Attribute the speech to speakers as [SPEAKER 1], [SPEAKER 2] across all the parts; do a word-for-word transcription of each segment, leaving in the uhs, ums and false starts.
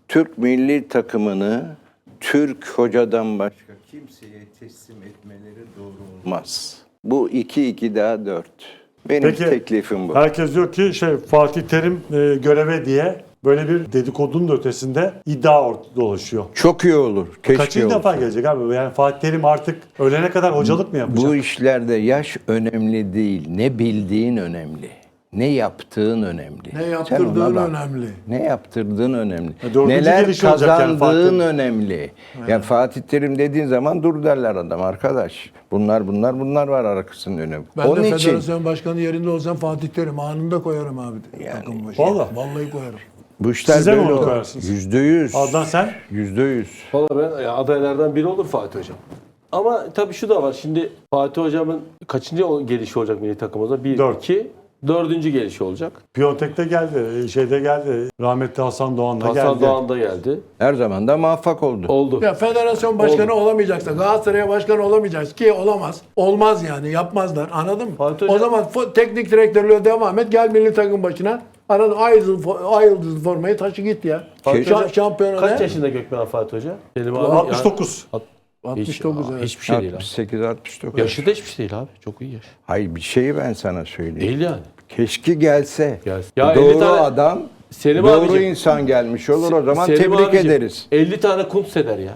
[SPEAKER 1] Türk milli takımını Türk hocadan başka kimseye teslim etmeleri doğru olmaz. Bu iki iki daha dört. Benim
[SPEAKER 2] Peki,
[SPEAKER 1] teklifim bu.
[SPEAKER 2] Herkes diyor ki şey Fatih Terim e, göreve diye böyle bir dedikodunun da ötesinde iddia ortada dolaşıyor.
[SPEAKER 1] Çok iyi olur. Keşke
[SPEAKER 2] Kaçıncı
[SPEAKER 1] olsa.
[SPEAKER 2] defa gelecek abi? Yani Fatih Terim artık ölene kadar hocalık mı yapacak?
[SPEAKER 1] Bu işlerde yaş önemli değil. Ne bildiğin önemli. Ne yaptığın önemli.
[SPEAKER 3] Ne
[SPEAKER 1] Sen
[SPEAKER 3] yaptırdığın
[SPEAKER 1] ona bak.
[SPEAKER 3] önemli.
[SPEAKER 1] Ne yaptırdığın önemli.
[SPEAKER 2] E, dördüncü
[SPEAKER 1] Neler
[SPEAKER 2] gelişi olacak yani
[SPEAKER 1] kazandığın
[SPEAKER 2] Fatih.
[SPEAKER 1] önemli. Ya Fatih Terim dediğin zaman dur derler adam arkadaş. Bunlar bunlar bunlar var arkasının önemi.
[SPEAKER 3] Ben
[SPEAKER 1] Onun
[SPEAKER 3] de
[SPEAKER 1] için
[SPEAKER 3] federasyon başkanı yerinde olsam Fatih Terim anında koyarım abi.
[SPEAKER 1] Yani,
[SPEAKER 3] takım başına.
[SPEAKER 2] vallahi.
[SPEAKER 3] Vallahi koyarım.
[SPEAKER 1] bu işler
[SPEAKER 2] Size mi
[SPEAKER 1] böyle
[SPEAKER 2] onu
[SPEAKER 1] olur.
[SPEAKER 2] koyarsınız?
[SPEAKER 1] Yüzde yüz.
[SPEAKER 2] Adnan sen?
[SPEAKER 1] Yüzde yüz.
[SPEAKER 4] Valla ben ya, adaylardan biri olur Fatih Hocam. Ama tabii şu da var. Şimdi Fatih Hocam'ın kaçıncı o- gelişi olacak milli takımımıza? Bir,
[SPEAKER 2] Dört.
[SPEAKER 4] iki, dördüncü gelişi olacak.
[SPEAKER 2] Piyontek'te geldi, şeyde geldi. Rahmetli Hasan Doğan da
[SPEAKER 4] Hasan
[SPEAKER 2] geldi.
[SPEAKER 4] Doğan da geldi.
[SPEAKER 1] Her zaman da muvaffak oldu.
[SPEAKER 4] Oldu.
[SPEAKER 3] Ya federasyon başkanı olamayacaksa Galatasaray'a başkan olamayacak ki olamaz. Olmaz yani yapmazlar anladın mı?
[SPEAKER 4] Fatih
[SPEAKER 3] O
[SPEAKER 4] Hocam-
[SPEAKER 3] zaman fo- teknik direktörlüğe devam et gel milli takım başına. Anladın ay yıldızlı, ay yıldızlı formayı taşı git ya.
[SPEAKER 4] Fatih
[SPEAKER 3] Şa-
[SPEAKER 4] Hocam
[SPEAKER 3] şampiyona
[SPEAKER 4] Kaç
[SPEAKER 3] ne?
[SPEAKER 4] yaşında Gökmen Fatih Hoca? Selim abi,
[SPEAKER 2] altmış dokuz.
[SPEAKER 4] Yani,
[SPEAKER 3] altmış dokuz
[SPEAKER 4] hiç,
[SPEAKER 3] evet.
[SPEAKER 4] hiçbir şey değil abi.
[SPEAKER 1] altmış sekiz altmış dokuz.
[SPEAKER 4] Yaşı da hiçbir şey değil abi. Çok iyi yaş.
[SPEAKER 1] Hayır bir şeyi ben sana söyleyeyim.
[SPEAKER 4] Değil yani.
[SPEAKER 1] Keşke gelse.
[SPEAKER 4] Gelsin. Ya elli
[SPEAKER 1] Doğru
[SPEAKER 4] tane-
[SPEAKER 1] adam,
[SPEAKER 4] Selim
[SPEAKER 1] doğru
[SPEAKER 4] abicim,
[SPEAKER 1] insan gelmiş olur o zaman
[SPEAKER 4] Selim
[SPEAKER 1] tebrik
[SPEAKER 4] abicim,
[SPEAKER 1] ederiz.
[SPEAKER 4] elli tane kunt eder ya.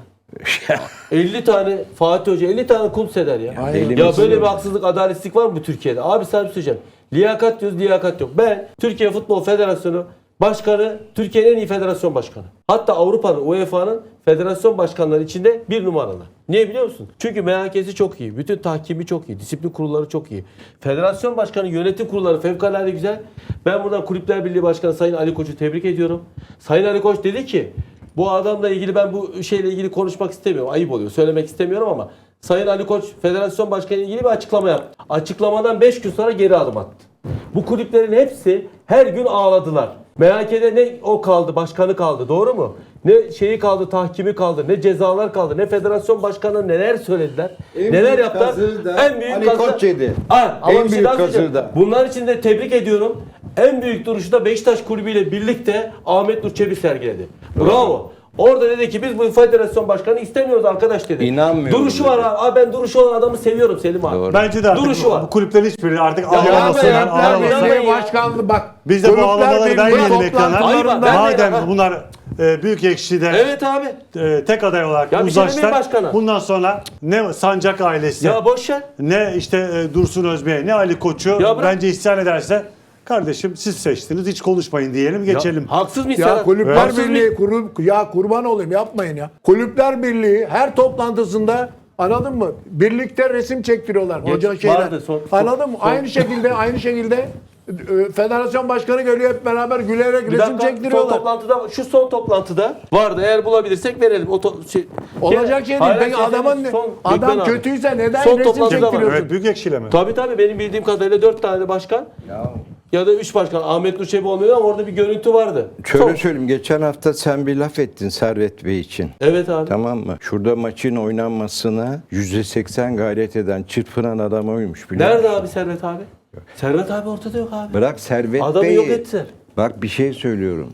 [SPEAKER 4] elli tane Fatih Hoca elli tane kunt eder ya.
[SPEAKER 3] Aynen.
[SPEAKER 4] Ya
[SPEAKER 1] Elimiz
[SPEAKER 4] böyle
[SPEAKER 1] yok.
[SPEAKER 4] bir haksızlık, adaletsizlik var mı bu Türkiye'de? Abi sana bir şey söyleyeceğim. Liyakat diyoruz, liyakat yok. Ben Türkiye Futbol Federasyonu Başkanı, Türkiye'nin en iyi federasyon başkanı. Hatta Avrupa'nın, U E F A'nın federasyon başkanları içinde bir numaralı. Niye biliyor musun? Çünkü M H K'si çok iyi. Bütün tahkimi çok iyi. Disiplin kurulları çok iyi. Federasyon başkanı, yönetim kurulları fevkalade güzel. Ben buradan Kulüpler Birliği Başkanı Sayın Ali Koç'u tebrik ediyorum. Sayın Ali Koç dedi ki bu adamla ilgili ben bu şeyle ilgili konuşmak istemiyorum. Ayıp oluyor. Söylemek istemiyorum ama Sayın Ali Koç federasyon başkanı ile ilgili bir açıklama yaptı. Açıklamadan beş gün sonra geri adım attı. Bu kulüplerin hepsi her gün ağladılar. M H K'de ne o kaldı, başkanı kaldı, doğru mu? Ne şeyi kaldı, tahkimi kaldı, ne cezalar kaldı, ne federasyon başkanı neler söylediler,
[SPEAKER 1] En
[SPEAKER 4] neler
[SPEAKER 1] büyük
[SPEAKER 4] yaptılar.
[SPEAKER 1] kazığı da
[SPEAKER 4] En büyük
[SPEAKER 1] Ali
[SPEAKER 4] kazığı-
[SPEAKER 1] Koç yedi.
[SPEAKER 4] Ha, ama
[SPEAKER 1] En
[SPEAKER 4] bir şey
[SPEAKER 1] büyük
[SPEAKER 4] daha söyleyeceğim.
[SPEAKER 1] kazığı da.
[SPEAKER 4] Bunlar için de tebrik ediyorum. En büyük duruşu da Beşiktaş Kulübü ile birlikte Ahmet Nur Çebi sergiledi. Bravo. Orada dedi ki biz bu federasyon başkanı istemiyoruz arkadaş dedi.
[SPEAKER 1] İnanmıyorum
[SPEAKER 4] Duruşu
[SPEAKER 1] dedi.
[SPEAKER 4] var abi. Abi ben duruşu olan adamı seviyorum Selim abi.
[SPEAKER 1] Doğru.
[SPEAKER 2] Bence de artık
[SPEAKER 4] Duruşu
[SPEAKER 2] bu,
[SPEAKER 4] var.
[SPEAKER 2] bu kulüplerin hiçbiri artık
[SPEAKER 4] Ya
[SPEAKER 2] ağlamasınlar,
[SPEAKER 4] yapma ya,
[SPEAKER 2] ağlamasınlar.
[SPEAKER 4] yapma
[SPEAKER 3] Belediye
[SPEAKER 4] ya.
[SPEAKER 3] başkanlığı bak.
[SPEAKER 2] Biz de bu
[SPEAKER 3] Kulüpler
[SPEAKER 2] ağlamaları
[SPEAKER 3] Birliği
[SPEAKER 2] vermeyelim ekrana.
[SPEAKER 4] Hayır, bak, ben-
[SPEAKER 2] Madem
[SPEAKER 4] ben-
[SPEAKER 2] bunlar e, büyük ekşide
[SPEAKER 4] Evet abi.
[SPEAKER 2] e, tek aday olarak
[SPEAKER 4] Ya bir şey
[SPEAKER 2] uzlaştılar.
[SPEAKER 4] demeyeyim başkana.
[SPEAKER 2] Bundan sonra ne Sancak ailesi,
[SPEAKER 4] Ya boş ver.
[SPEAKER 2] ne işte e, Dursun Özbey, ne Ali Koç'u
[SPEAKER 4] Ya bırak.
[SPEAKER 2] bence isyan ederse kardeşim siz seçtiniz hiç konuşmayın diyelim geçelim.
[SPEAKER 4] Ya, haksız mıyız
[SPEAKER 3] Ya
[SPEAKER 4] ya?
[SPEAKER 3] Kulüpler
[SPEAKER 4] Haksız
[SPEAKER 3] Birliği
[SPEAKER 4] mıyız?
[SPEAKER 3] kuru, ya kurban olayım yapmayın ya. Kulüpler Birliği her toplantısında anladın mı? Birlikte resim çektiriyorlar
[SPEAKER 4] Geç-
[SPEAKER 3] hoca şeyler.
[SPEAKER 4] vardı, son- son-
[SPEAKER 3] anladın mı?
[SPEAKER 4] son-
[SPEAKER 3] Aynı şekilde aynı şekilde e, federasyon başkanı geliyor hep beraber gülerek
[SPEAKER 4] Bir
[SPEAKER 3] resim
[SPEAKER 4] dakika, son
[SPEAKER 3] çektiriyorlar.
[SPEAKER 4] toplantıda, şu son toplantıda vardı. Eğer bulabilirsek verelim. O to- şey,
[SPEAKER 3] Olacak şey değil.
[SPEAKER 4] Hayır,
[SPEAKER 3] Peki
[SPEAKER 4] şey
[SPEAKER 3] adamın
[SPEAKER 4] değil, son-
[SPEAKER 3] adam
[SPEAKER 4] Gökmen abi.
[SPEAKER 3] kötüyse neden
[SPEAKER 4] Son
[SPEAKER 3] resim
[SPEAKER 4] toplantıda var.
[SPEAKER 3] çektiriyorsun?
[SPEAKER 2] Evet büyük ekşiyle mi?
[SPEAKER 4] Tabii tabii benim bildiğim kadarıyla dört tane başkan
[SPEAKER 1] Ya,
[SPEAKER 4] ya da üç başkan. Ahmet Nur Çebi olmuyor ama orada bir görüntü vardı.
[SPEAKER 1] şöyle
[SPEAKER 4] Son-
[SPEAKER 1] söyleyeyim. Geçen hafta sen bir laf ettin Servet Bey için.
[SPEAKER 4] Evet abi.
[SPEAKER 1] Tamam mı? Şurada maçın oynanmasına yüzde seksen gayret eden, çırpınan adam oymuş biliyor
[SPEAKER 4] Nerede
[SPEAKER 1] musun?
[SPEAKER 4] abi Servet abi? Servet abi ortada yok abi.
[SPEAKER 1] Bırak Servet
[SPEAKER 4] Adamı
[SPEAKER 1] Bey'i.
[SPEAKER 4] yok ettiler.
[SPEAKER 1] Bak bir şey söylüyorum.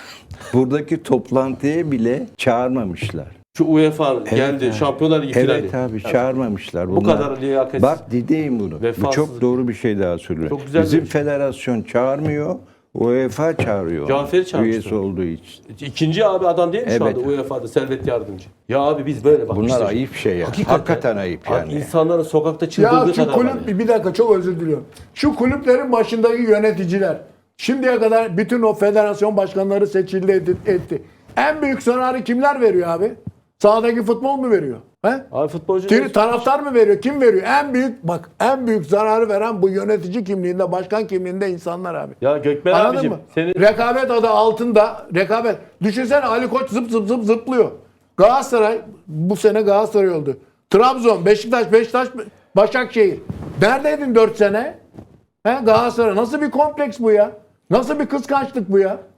[SPEAKER 1] Buradaki toplantıya bile çağırmamışlar.
[SPEAKER 4] Şu U E F A geldi.
[SPEAKER 1] abi.
[SPEAKER 4] Şampiyonlar Ligi finali.
[SPEAKER 1] Evet abi çağırmamışlar.
[SPEAKER 4] Bu kadar liyakatsiz.
[SPEAKER 1] Bak dediğim bunu. Bu
[SPEAKER 4] Vefasızlık.
[SPEAKER 1] çok doğru bir şey daha söylüyor.
[SPEAKER 4] Çok güzel
[SPEAKER 1] Bizim
[SPEAKER 4] bir şey.
[SPEAKER 1] federasyon çağırmıyor. U E F A çağırıyor.
[SPEAKER 4] Cafer'i çağırmıştı.
[SPEAKER 1] Üyesi olduğu için.
[SPEAKER 4] İkinci abi adam değil mi şu
[SPEAKER 1] Evet.
[SPEAKER 4] anda U E F A'da Servet Yardımcı? Ya abi biz böyle bak.
[SPEAKER 1] Bunlar
[SPEAKER 4] işte-
[SPEAKER 1] ayıp şey ya.
[SPEAKER 4] Hakikaten,
[SPEAKER 1] Hakikaten ayıp
[SPEAKER 4] Abi
[SPEAKER 1] yani.
[SPEAKER 4] insanların sokakta
[SPEAKER 3] Ya
[SPEAKER 4] çıldırdığı
[SPEAKER 3] şu
[SPEAKER 4] kadar var
[SPEAKER 3] kulüp
[SPEAKER 4] ya.
[SPEAKER 3] bir dakika çok özür diliyorum. Şu kulüplerin başındaki yöneticiler şimdiye kadar bütün o federasyon başkanları seçildi etti. etti. En büyük zararı kimler veriyor abi? Sahadaki futbol mu veriyor? He?
[SPEAKER 4] Abi futbolcu
[SPEAKER 3] Kim- taraftar mı veriyor? Kim veriyor? En büyük bak en büyük zararı veren bu yönetici kimliğinde, başkan kimliğinde insanlar abi.
[SPEAKER 4] Ya Gökmen
[SPEAKER 3] Anladın
[SPEAKER 4] abicim
[SPEAKER 3] mı?
[SPEAKER 4] senin
[SPEAKER 3] Rekabet adı altında rekabet. Düşünsene Ali Koç zıp zıp zıp zıplıyor. Galatasaray bu sene Galatasaray oldu. Trabzon, Beşiktaş, Beşiktaş, Başakşehir. Neredeydin dört sene? He, Galatasaray nasıl bir kompleks bu ya? Nasıl bir kıskançlık bu ya?